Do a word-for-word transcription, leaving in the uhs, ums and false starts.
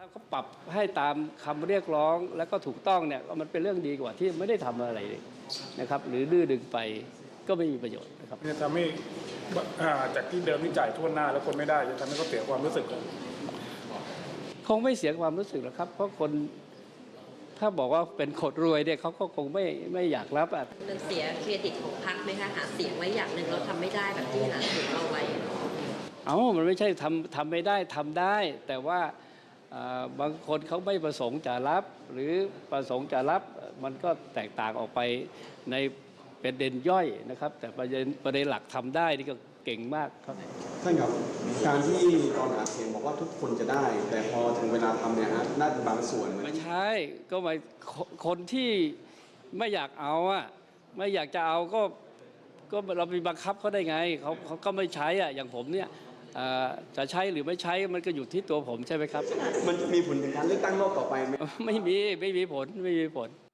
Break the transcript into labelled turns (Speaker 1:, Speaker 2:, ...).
Speaker 1: ถ้าเขาปรับให้ตามคำเรียกร้องแล้วก็ถูกต้องเนี่ยมันเป็นเรื่องดีกว่าที่ไม่ได้ทำอะไรเลยนะครับหรือดื้อดึงไปก็ไม่มีประโยชน์นะครับ
Speaker 2: จะทำให้จากที่เดิมที่จ่ายทั่วหน้าแล้วคนไม่ได้จะทำให้เขาเสียความรู้สึก
Speaker 1: คงไม่เสียความรู้สึกหรอกครับเพราะคนถ้าบอกว่าเป็นคนรวยเนี่ยเขาก็คงไม่ไม่อยากรับอ่ะ
Speaker 3: มันเสียเครดิตของพรรคไหมคะหาเสียงไว้อย่างหนึ่งเราทำไม่ได้แบบที่หาเสียงเอาไว้
Speaker 1: เอ้ามันไม่ใช่ทำทำไม่ได้ทำได้แต่ว่าบางคนเขาไม่ประสงค์จะรับหรือประสงค์จะรับมันก็แตกต่างออกไปในประเด็นย่อยนะครับแต่ประเด็นประเด็นหลักทำได้นี่ก็เก่งมากครับ
Speaker 4: ท่านครับการที่ตอนหาเสียงบอกว่าทุกคนจะได้แต่พอถึงเวลาทำเนี่ยฮะน่าจะบางส่วน
Speaker 1: ไม่ใช่ก็หมายคนที่ไม่อยากเอาอ่ะไม่อยากจะเอาก็ก็เราไปบังคับเขาได้ไงเขาเขาก็ไม่ใช้อ่ะอย่างผมเนี่ยจะใช้หรือไม่ใช้มันก็อยู่ที่ตัวผมใช่ไหมครับ
Speaker 4: มันจะมีผลถึงการเลือกตั้งรอบต่อไปไหม
Speaker 1: ไม่มีไม่มีผลไม่มีผล